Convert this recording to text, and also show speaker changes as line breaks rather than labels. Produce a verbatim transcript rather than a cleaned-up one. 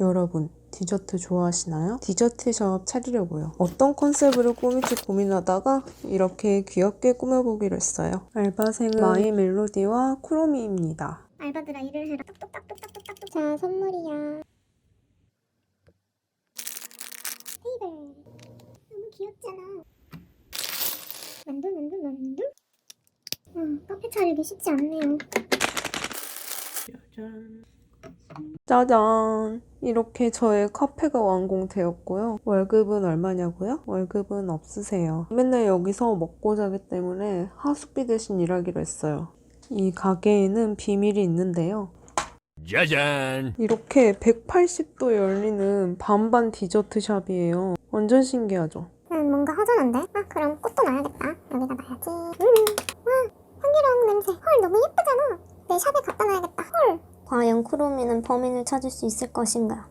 여러분, 디저트 좋아하시나요? 디저트숍 차리려고요. 어떤 컨셉으로 꾸밀지 고민하다가 이렇게 귀엽게 꾸며보기로 했어요. 알바생은 마이 멜로디와 쿠로미입니다.
알바들아 일을 해라. 똑똑똑똑똑똑똑. 자, 선물이야. 테이블. 너무 귀엽잖아. 만두 만두 만두. 음, 카페 차리기 쉽지 않네요.
짜잔. 짜잔! 이렇게 저의 카페가 완공되었고요. 월급은 얼마냐고요? 월급은 없으세요. 맨날 여기서 먹고 자기 때문에 하숙비 대신 일하기로 했어요. 이 가게에는 비밀이 있는데요.
짜잔!
이렇게 백팔십 도 열리는 반반 디저트 샵이에요. 완전 신기하죠?
음, 뭔가 허전한데? 아, 그럼 꽃도 놔야겠다. 여기다 놔야지. 음, 와, 향기로운 냄새. 헐, 너무 예쁘잖아. 내 샵에 갖다 놔야겠다. 헐. 과연 쿠로미는 범인을 찾을 수 있을 것인가?